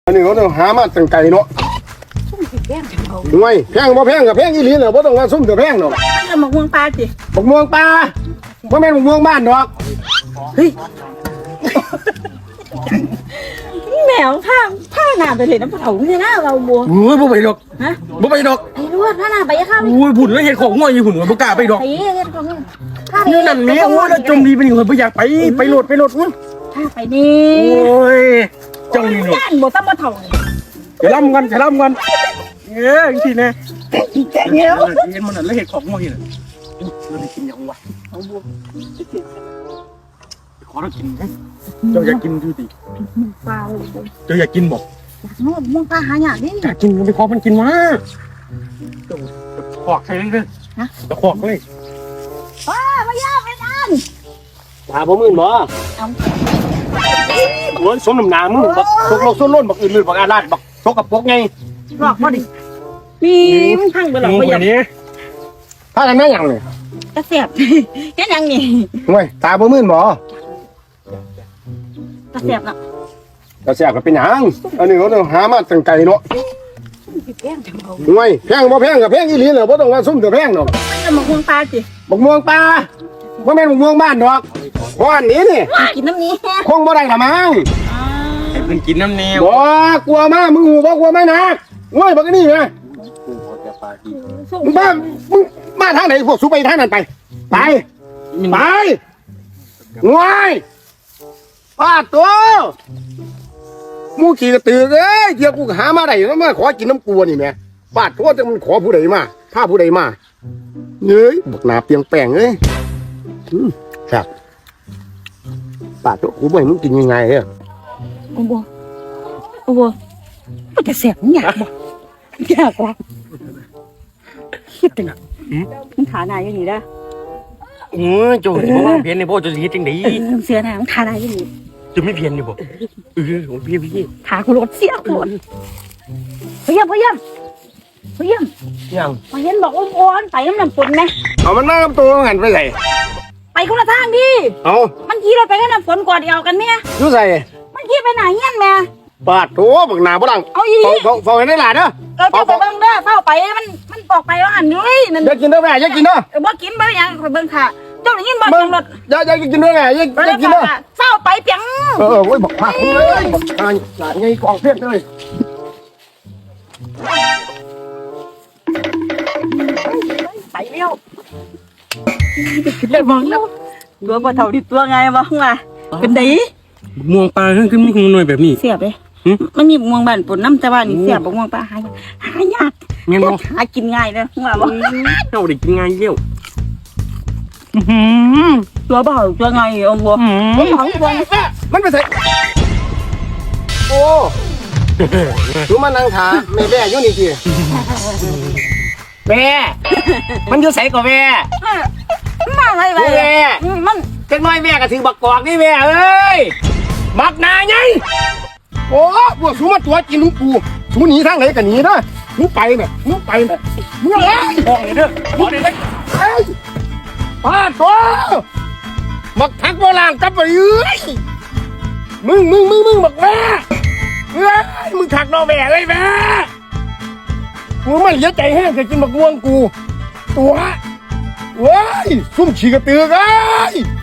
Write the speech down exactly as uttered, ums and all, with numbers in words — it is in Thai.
อันนี้เขาต้องหามาตั้งไก่เนาะห่วยแพงบ่แพงกับแพงอีหลีเหรอบ่ต้องว่าซุ่มกับแพงเนาะมันจะหมกม่วงปลาสิหมกม่วงปลาบ่แม่นหมกม่วงบ้านดอกเฮ้ยแมวผ้าผ้าหนาไปเลยน้ำเผาเนี่ยนะเราบัวโอ้ยบ่ไปดอกฮะบ่ไปดอกไอ้รู้ว่าผ้าหนาไปยังข้าวโอ้ยผุ่นแล้วเห็ดของง่วยอยู่ผุ่นบ่กล้าไปดอกไอ้เห็ดของผ้านี่นั่นนี่โอ้ยแล้วจมดีไปนี่บ่อยากไปไปโหลดไปโหลดอุ้ยผ้าไปนี่โอ้ยเจ้านี่เนาะย่านบ่ต้องมาเถ่าจะล่ำกันจะล่ำกันเอ้ยทีนะเงี้ยเห็นมันแล้วเห็ดของง่วยน่ะเราได้กินยังวะเอาบัวขอเรากินไหมเจ้าอยากกินดูดิปลาเลยเจ้าอยากกินบอกม่วงม่วงปลาหายากนี่อยากกินไปขอมันกินมาขอกใครเลยเลยนะจะขอกเลยป้าไม่ยากไม่นานปลาบ่มื่นบ่โอ้ยสมน้ำหนามึงบักตกลงส้นล้นบักอื่นๆบักอาลาดบักตกกับพวกไงหลอกบ่ดิมีมันพังไปหรอกบ่อย่างนี้ถ้ากันนั่งยังเลยกระเสียบแค่ยังนี่ห่วยตาบ่มื่นบ่กระเสียบน่ะกระเสียบก็เป็นหยังอันนี้เขาต้องหามาตั้งไก่เนาะห่วยแพงบ่แพงกับแพงอีหลีเหรอบ่ต้องว่าซุ่มกับแพงดอกมันจะหมกม่วงปลาสิหมกม่วงปลาบ่แม่นหมกม่วงบ้านดอกเพราะอันนี้นี่กินน้ำนี้คงบ่ได้ละมั้งให้เพิ่นกินน้ำแนวบ่กลัวมามึงหูบ่กลัวมานะห่วยบักนี่ไงมึงบ้ามึงมาทางไหนพวกสูไปทางนั้นไปไปไปห่วยป้าตัวมูขี่กระตือเอ้ยเดี๋ยวกูหามาได้แล้วมาขอกินน้ำกลัวนี่แม่ป้าตัวจะมันขอผู้ใดมาผ้าผู้ใดมาเอ้ยบักหนาเปียงแป้งเอ้ยครับป้าตัวกูบ่ให้มึงกินยังไงเอ้ยโอ้โหโอ้โหมันจะเสียบมันอยากบ่อยากละคิดถึงมันขาหนาอย่างนี้ได้โอ้ยโจ้จะบอกว่าเพี้ยนในพ่อจะเฮ็ดจังได๋เสือหนามันขาหนาอย่างนี้จะไม่เพี้ยนนี่บ่เออของพี่พี่ขากูรถเสียกูพยายามพยายามพยายามยังพยายามบอกว่าอ้วนไปน้ำน้ำฝนไหมเอามันนั่งตัวหันไปใส่ไปคนละทางดิเอามันขี่รถไปกับน้ำฝนกอดเดียวกันไหมยู่ใส่มันขี่ไปไหนเงี้ยแม่ปาดตัวบักหนาบ่ดังเอาอีเฝ้าเฝ้าให้ได้หลานเด้อเออเฝ้าไปเบิ่งเด้อเฝ้าไปมันมันบอกไปว่าอันนี้นั่นอย่ากินเด้อแม่อย่ากินเด้อเออบ่กินบ่ยังไปเบิ่งค่ะเจ้าได้ยินบ่จังรถอย่าอย่ากินเด้อแม่อย่าอย่ากินเด้อเฝ้าไปเปียงเออโอ้ยบอกพาเอ้ยบอกทานหลานไงกองเพี้ยนเลยไปเร็วเดี๋ยวมองแล้วตัวบ่เท่าดิตัวไงบ่ว่าเป็นไดม่วงปลาขึ้นมีหน่วยแบบนี้เสียบเลยมันมีม่วงบ้านปนน้ำแต่ว่านี่เสียบม่วงปลาหายหายากแม่นบ่หากินง่ายเลยว่าบ่เจ้าได้กินง่ายเยี่ยวตัวบ่ตัวไงอ๋บ่บ่หอยบ่มันไปใส่โอ้ดูมันนั่งขาแม่แม่อยู่นี่ทีแม่มันอยู่ใส่กับแม่มาอะไรไปแม่มันจังน้อยแม่ก็ถือบักกอกนี่แม่เอ้ยบักนาไงโอ้พวกสูมาตัวกินนุ่งกูสูหนีทางไหนกันหนีนะมึงไปแม่มึงไปแม่มึงอะไรบอกเลยเด้อบอกเลยเฮ้ยป้าตัวบักทักโบราณกลับไปเอ้ยมึงมึงมึงมึงบักแม่เฮ้ยมึงถักนอแม่เลยแม่กูไม่เสียใจแห้งจะกินบักม่วงกูตัวเว้ยซุ่มฉีกกระตือไง